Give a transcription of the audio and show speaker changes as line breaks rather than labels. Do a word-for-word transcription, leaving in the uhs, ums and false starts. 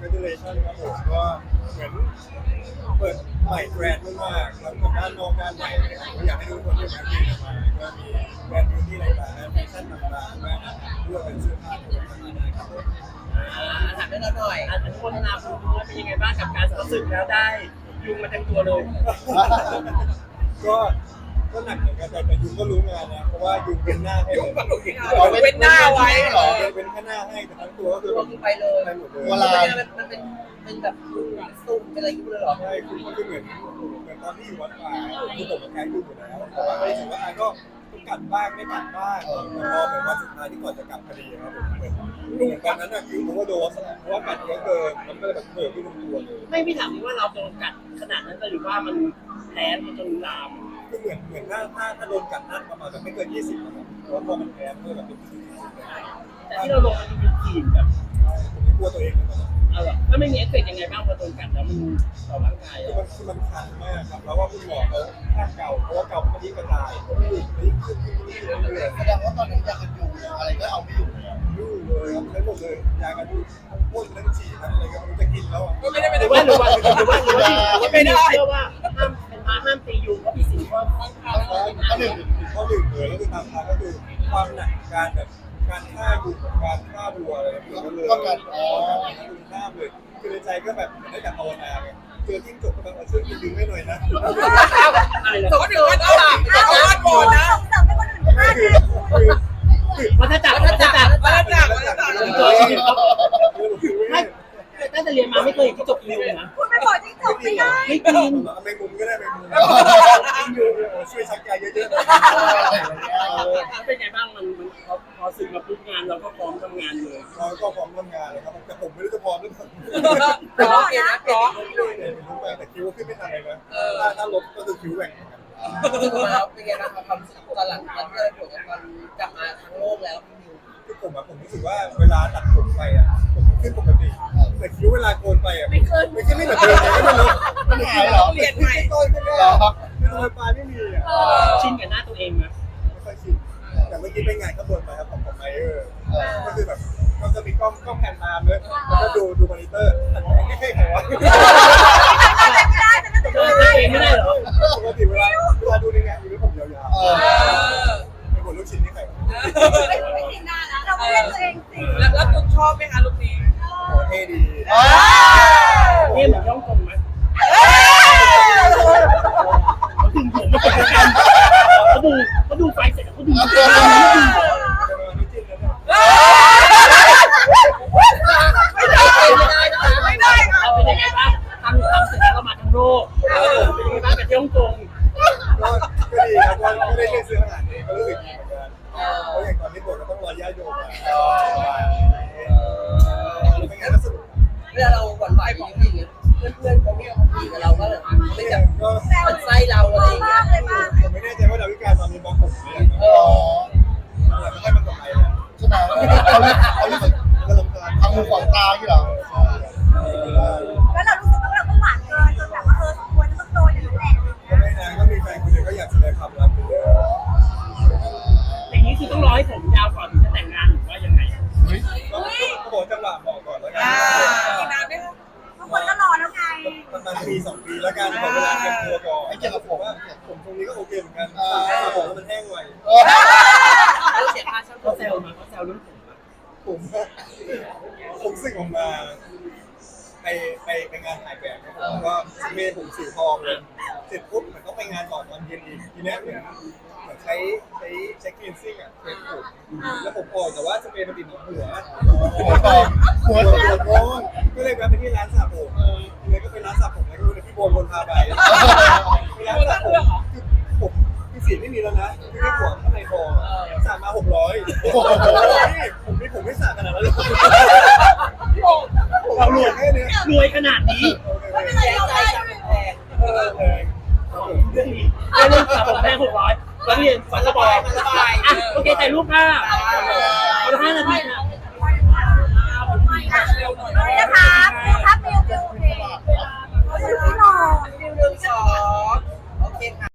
congratulations ครับผมก็เหมือนเปิดใหม่แบรนด์มากๆแล้วกับด้านนอกด้านในเลยผมอยากให้ทุกคนที่มาที่มาก็มีแบรนด์บิวตี้ต่างๆแฟชั่นต่างๆแบรนด์อาหารด้วยเป็นเสื้อผ้าด้วยครับผม
ถามได้เราหน่อย
อันนี้โฆษณาคุณว่าเป็นยังไงบ้างกับการรู้สึกแล้วได้ยุงมาเต็มตัวเลย
ก็ก็หนักเหมือนกันแต่แต่ยุงก็รู้งานนะเพราะว่ายุงเป็นหน้าให้เลย
เอาเป็นหน้าไว้เหรอ
เป็นแค่หน้าให้แต่ทั้งตัวก็คือ
รวมไปเลย
ไปหมดเลย
เวลามันเป็นเป็นแบบสุ่มเป็นอะไรอยู่เลยเหรอ
ใช่คือคือเหมือนเหมือนตอนที่อยู่วัดป่าคือผมกับแกยุงอยู่แล้วแต่ว่าก็รู้สึกว่าก็กัดบ้างไม่กัดบ้างแต่พอแบบว่าสุดท้ายที่ก่อนจะกลับพอดีครับผมเหมือนเหมือนตอนนั้นน่ะคือผมว่าโดนเพราะว่ากัดเยอะเกินมันก็เลยแบบเปิดไม่ลงตัวเลย
ไม่พี่ถามว่าเราโดนกัดขนาดนั้นหรือว่ามันแผลมันจนลาม
คือเหมือนเหมือนถ้าถ้าถ้าโดนกัดนัดประมาณแบบไม่เกินยี่สิบนะครับเพราะว่าพอมันแพ้เมื่อแบบเป็นสิบสิบเลย
แต่ที่เราลงมันเป็นทีมแบบ
ผมไม่กลัวตัวเองเลยนะ
เอาแบบแล้วไม่มีเอฟเฟกต์ยังไงบ้างพอโดนกัดแล้วมันต่อร่างกาย
คือ
อ่ะ
มันคือมันคันมากครับแล้วว่าคุณหมอเขาห้ามเกาเพราะว่าเกามันยิ่งกระจายยิ่งขึ้นยิ่งขึ้นเรื่อย
แสดงว่าตอนนี้ยากันยุงอะไรก็เอาไม่อยู่เลย
ๆยุ่งเลยครับใช้หมดเลยยากันยุงพ่นทั้งฉีดทั้งอะไรก็ไม่รู้จะกินแล้วอ่ะ
ก็ไม่ได้เป็น
หรือว่าหรือว่าหรือว่าหรือว่าหรือว่าไม่ได้เชื่อว่าห้ามเป็นพระห้ามตียุงเพราะมีสิ่งว่า
ข้อหนึ่ง
ข้อหนึ่งเลยก็คือตามทางก็คือความหนักการแบบการฆ่ายุงการฆ่าวัวอะไรแบบนี้เลย
ก็การอ๋อ
ยุงข้ามเลยคือในใจก็แบบได้แต่ภาวนาไงเจอจิ้งจกก็แบบช่วยกินยุงให้หน่อยนะ
อะไรนะ
สมมติว่าตลาดตลาดก่อนนะ
ส่งเสริมให้คนอื่นฆ่า
คือ
เนี่ย
คือ
วัฏจักรวัฏจักร
มาแล้วจ้ามาแล้วจ้า
ตัวชีวิตเขาไม่ตั้งแต่เรียนมาไม่เคยเห็นที่จบยุงนะ
คุณไปบอกจิ้งจกไม่ได้
ไม่กิน
ไม่มุมก็ได้ไม่มุมจิ้งยุงช่วยชักใจเยอะๆ
เป็นไงบ้างมันมันพอพอสึกมาปุ๊บงานเราก็พร้อมทำงานเลย
เราก็พร้อมทำงานเลยครับแต่ผมไม่รู้จะพร้อมหรือเปล่า
ร้องเองนะร้อง
เนี่ยรู้มาแต่คิวขึ้นไม่ทันเลยนะถ้าถ้าลบก็คือคิวแหว่ง
มาเป็นไงบ้างความรู้สึกตอนหลังตอนที่เราผลตอนกลับมาทั้งโลกแล้วพี่มิว
คือผมอะผมรู้สึกว่าเวลาตัดผมไปอะผมขึ้นปกติแต่คิ้วเวลาโกนไปอะไม่ขึ้นไม่ขึ้นไม่เหมือนเดิมเลยไม่รู้
มันหายเหรอ
เปลี่ยนใหม่
ต้นขึ้นแค่ไม่รู้ปลายไม่มีอะ
ชินกับหน้าตัวเองนะ
ไม่ค่อยชินแต่เมื่อกี้ไปงานข้างบนมาครับของผมไมเออร์ก็คือแบบก็จะมีกล้องกล้องแผ่นตามเลยแล้วก็ดูดูมอนิเตอร์ไม่ใช่ใครวะ
ไม่ได้แต่ก็
เออตัวเองไม่ได้เหรอ
ปกติเวลาเวลาดูในงานอยู่ด้วยผมยาวๆเป็นคนลูกชิ้นนี่ใคร
ไม่ไม่จริงนะเราไม่เล่นตัวเองสิ
แล้วแล้วตุ๊กชอบไหมคะลูกนี้
โอ้เท่ดี
เนี่ยเหมือนย่องกงไหมเขาดึงผมมาเป็นกันเขาดูเขาดูไฟเสร็จเขาดู
ไม่จิ้นแล้วเนี่ย
ไม่ได้ไม่ได้ค่ะ
เราเป็นยังไงบ้างทำทำเสร็จแล้วเรามาทั้งโลกเป็นยังไงบ้างกับย่องกง
ก็ก็ดีครับก็ไม่ได้เล่นซื้ออาหารเองก็รู้สึกดีเหมือนกันเพราะอย่างตอนนี้บทก็ต้องรอญาติโยมมาเป็นไงก็สนุก
เวลาเราหวั่นไหวของผู้หญิงเพื่อนเพื่อนเขาไม่เอาคุยกับเราก็เลยไม่จับ
ก็
มันไส้เราอะไรอย่างเงี้ย
เลยมาก
ผมไม่แน่ใจว่าดาวิกาตอนนี้บล็อกผมหรือยัง
เออ
แต่ไม่ค่อยมาสนใจแล้ว
ใช่ไหมเขาเขารู้สึก
ก็ลงกลาง
ทำมือขวางตาที่เหรอ
แล้วเรารู้สึกว่าเราก็หวานเกินจนแบบว่าเออสมควรจะต้องโดนอย่างนั้นแหละ
ก็ไม่นานก็มีแฟนคนเดียวก็อยากแสดงความรักไปเลย
อย่างนี้คือต้องรอให้ผมยาวก่อนถึงจะแต่งงานหรือว่ายังไง
ก็ก็บอกจังหวะบอกก่อนแล้วกั
อ่าน อีกนานไหมคะ
ทุกคนก็รอแล้วไง
ประมาณปีสองปีแล้วกันขอเวลาเตรียมตัวก่อนไอ้เกี่ยวกับผมว่าผมตรงนี้ก็โอเคเหมือนกันแต่ผมมันแห้งไว
เราเสียค่าเช่า
เขาแซวมาเขาแซวเรื่องผมอะ
ผมผมสึกออกมาไปไปไปงานถ่ายแบบนะครับก็เมย์ผมสีทองเลยเสร็จปุ๊บมันต้องไปงานต่อตอนเย็นอีกทีนี้เหมือนเหมือนใช้ใช้ใช้คลีนซิ่งอ่ะเช็ดผมแล้วผมออกแต่ว่าสเปรย์มันติดหัวหัว
หัวทองหัว
หัวโค้งก็เลยแวะไปที่ร้านสระผมเลยก็ไปร้านสระผมแล้วก็ดูพี่โบนคนพาไปร้านสระผมคือผมคือสีไม่มีแล้วนะคือแค่หัวข้างในคอสระมาหกร้อยผมไม่ผมไม่สระขนาดนั้นเลย เรารวยแค่นี้
รวยขนาดนี้
ไม่เป็นไรเราได้
เออเลย
เรื่องนี้เรื่องสามผมแพงหกร้อยแล้วเรียนฝันระบายอ่ะโอเคถ่ายรูปค่ะเอาละห้านาทีค่ะ
เร็วหน่อย
ตอนนี้นะคะมิวครับมิวมิวโอเคมิวมิวหน่อย
หนึ่งสองโอเคค่ะ